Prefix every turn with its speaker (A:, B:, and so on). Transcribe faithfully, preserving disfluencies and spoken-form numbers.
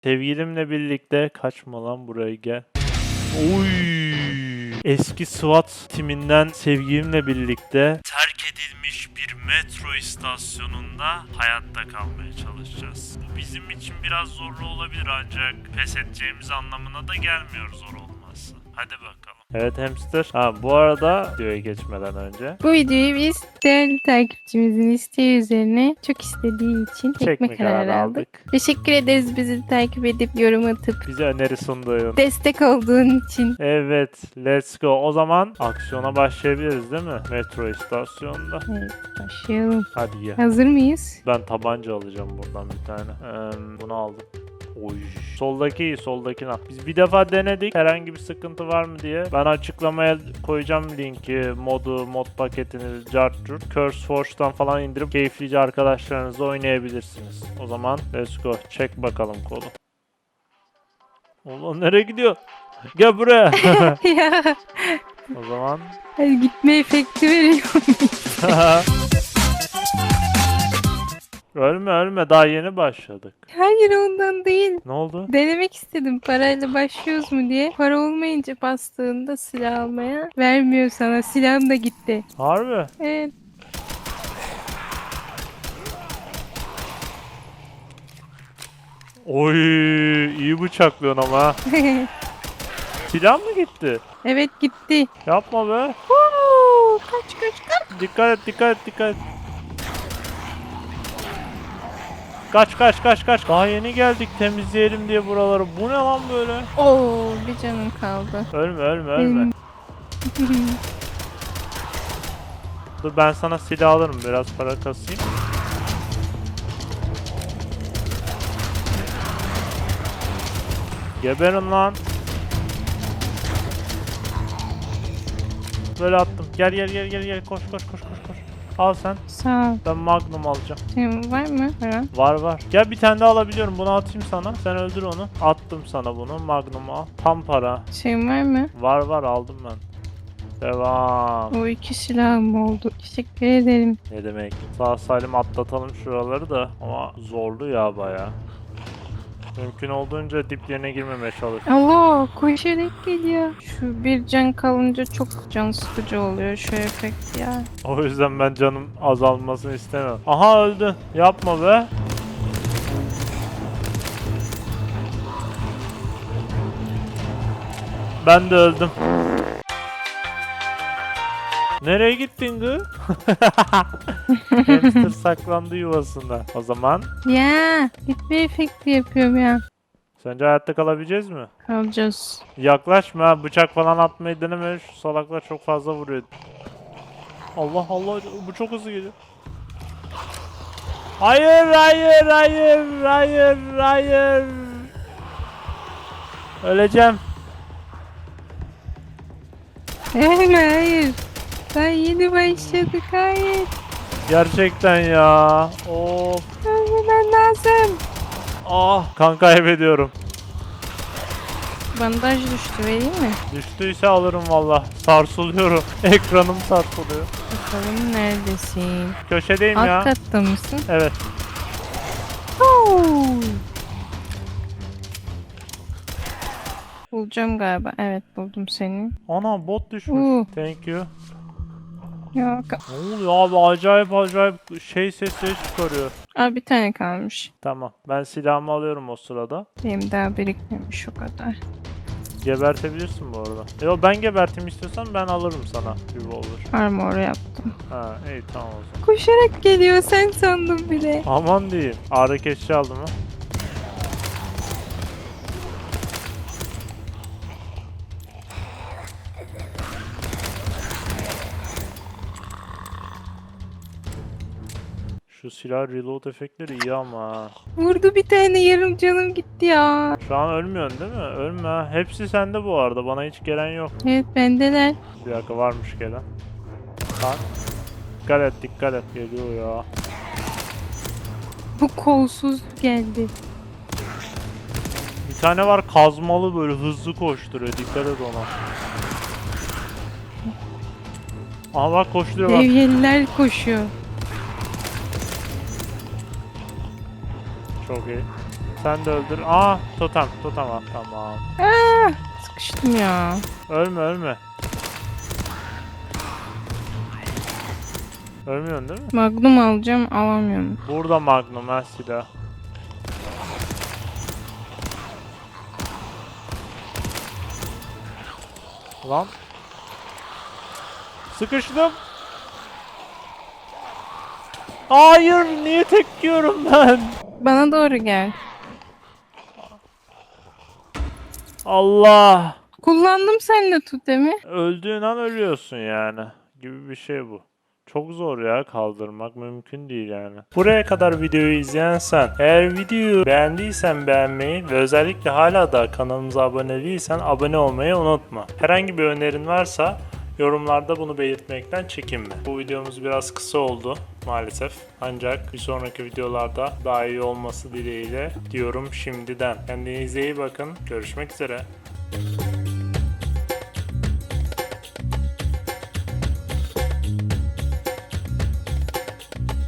A: Sevgilimle birlikte kaçma lan buraya gel. Oy! Eski SWAT timinden sevgilimle birlikte terk edilmiş bir metro istasyonunda hayatta kalmaya çalışacağız. Bu bizim için biraz zorlu olabilir ancak pes edeceğimiz anlamına da gelmiyor zor olması. Hadi bakalım. Evet hamster. Ha bu arada videoya geçmeden önce
B: Bu videoyu biz değerli takipçimizin isteği üzerine çok istediği için çekme
A: çekme
B: kararı aldık. Teşekkür ederiz bizi takip edip yorum atıp
A: bize öneri sunduğun.
B: destek olduğun için.
A: Evet, let's go. O zaman aksiyona başlayabiliriz değil mi? Metro istasyonunda.
B: Evet, başlayalım.
A: Hadi gel.
B: Hazır mıyız?
A: Ben tabanca alacağım buradan bir tane. Ee, bunu aldım. Oy. Soldaki iyi, soldakini al. Biz bir defa denedik. Herhangi bir sıkıntı var mı diye. Ben açıklamaya koyacağım linki, modu, mod paketini, Jartur, CurseForge'dan falan indirip keyiflice arkadaşlarınızla oynayabilirsiniz. O zaman let's go. Çek bakalım kolu. Ulan nereye gidiyor? Gel buraya.
B: Ya
A: O zaman
B: hadi gitme efekti veriyor.
A: ölme ölme daha yeni başladık.
B: Hayır ondan değil.
A: Ne oldu?
B: Denemek istedim parayla başlıyoruz mu diye. Para olmayınca bastığında silah almaya vermiyor sana. Silahım da gitti.
A: Harbi.
B: Evet.
A: Oy iyi bıçaklıyorsun ama. Ha. Silah mı gitti?
B: Evet gitti.
A: Yapma be.
B: Oo, kaç kaç kaç.
A: Dikkat et dikkat et dikkat et. Kaç kaç kaç kaç. Daha yeni geldik temizleyelim diye buraları. Bu ne lan böyle?
B: Oo, bir canım kaldı.
A: Ölme ölme ölme. Dur ben sana silah alırım biraz para kasayım. Geberin lan. Böyle attım. Gel gel gel gel gel koş koş koş koş koş. Al sen.
B: Sağ ol.
A: Ben Magnum alacağım.
B: Senin var mı para?
A: Var var. Gel bir tane daha alabiliyorum. Bunu atayım sana. Sen öldür onu. Attım sana bunu. Magnum'u al. Tam para.
B: Senin var mı?
A: Var var aldım ben. Devam.
B: O iki silahım oldu. Teşekkür ederim.
A: Ne demek? Sağ salim atlatalım şuraları da. Ama zorlu ya baya. Mümkün olduğunca diplerine girmemeye çalış.
B: Allah koşarak geliyor. Şu bir can kalınca çok can sıkıcı oluyor şu efekt ya.
A: O yüzden ben canım azalmasını istemiyorum. Aha öldü. Yapma be. Ben de öldüm. Nereye gittin gı? Hamster saklandı yuvasında. O zaman
B: Ya gitme efekti yapıyorum ya.
A: sence hayatta kalabileceğiz mi?
B: Kalacağız.
A: Yaklaşma ha, bıçak falan atmayı deneme. Şu salaklar çok fazla vuruyor. Allah Allah bu çok hızlı geliyor. Hayır hayır hayır hayır hayır. Öleceğim.
B: Hayır hayır. Daha yeni başladık hayır.
A: Gerçekten ya. Of.
B: Ölmemen lazım.
A: Ah kan kaybediyorum.
B: Bandaj düştü vereyim mi?
A: Düştüyse alırım valla. Sarsılıyorum. Ekranım sarsılıyor.
B: Bakalım neredesin?
A: Köşedeyim
B: Alt
A: ya.
B: katta mısın?
A: Evet.
B: Oo. Bulacağım galiba. Evet buldum seni.
A: Ana bot düşmüş.
B: Oo.
A: Thank you.
B: Yok.
A: Ne oluyor abi acayip acayip şey sesleri çıkarıyor.
B: Aa, bir tane kalmış.
A: Tamam ben silahımı alıyorum o sırada.
B: Benim daha birikmemiş o kadar.
A: Gebertebilirsin bu arada. Yo ben geberteyim istiyorsan ben alırım sana revolver.
B: Armor yaptım.
A: Ha iyi tamam o zaman.
B: Koşarak geliyor sen sandım bile.
A: Aman diyeyim. Ağrı kesici aldım ha. Şu silah reload efektleri iyi ama ha.
B: Vurdu bir tane yarım canım gitti ya.
A: Şu an ölmüyorsun değil mi? Ölme ha. Hepsi sende bu arada. Bana hiç gelen yok.
B: Evet bendeler.
A: Bir dakika varmış gelen. Bak. Dikkat et dikkat et. Geliyor ya.
B: Bu kolsuz geldi.
A: Bir tane var kazmalı böyle hızlı koşturuyor. Dikkat et ona. Aha bak koşturuyor bak.
B: Devyeliler koşuyor.
A: Çok iyi. Sen de öldür. Aa totem totem ah tamam.
B: Aa, sıkıştım ya.
A: Ölme ölme. Ölmüyorsun değil mi?
B: Magnum alacağım, alamıyorum.
A: Burada Magnum ha silah. Lan. Sıkıştım. Hayır niye tek yiyorum ben?
B: Bana doğru gel.
A: Allah.
B: Kullandım seninle totemi.
A: Öldüğün an ölüyorsun yani. Gibi bir şey bu. Çok zor ya, kaldırmak mümkün değil yani. Buraya kadar videoyu izleyen sen, eğer videoyu beğendiysen beğenmeyi ve özellikle hala da kanalımıza abone değilsen abone olmayı unutma. Herhangi bir önerin varsa yorumlarda bunu belirtmekten çekinme. Bu videomuz biraz kısa oldu maalesef. Ancak bir sonraki videolarda daha iyi olması dileğiyle diyorum şimdiden. Kendinize iyi bakın. Görüşmek üzere.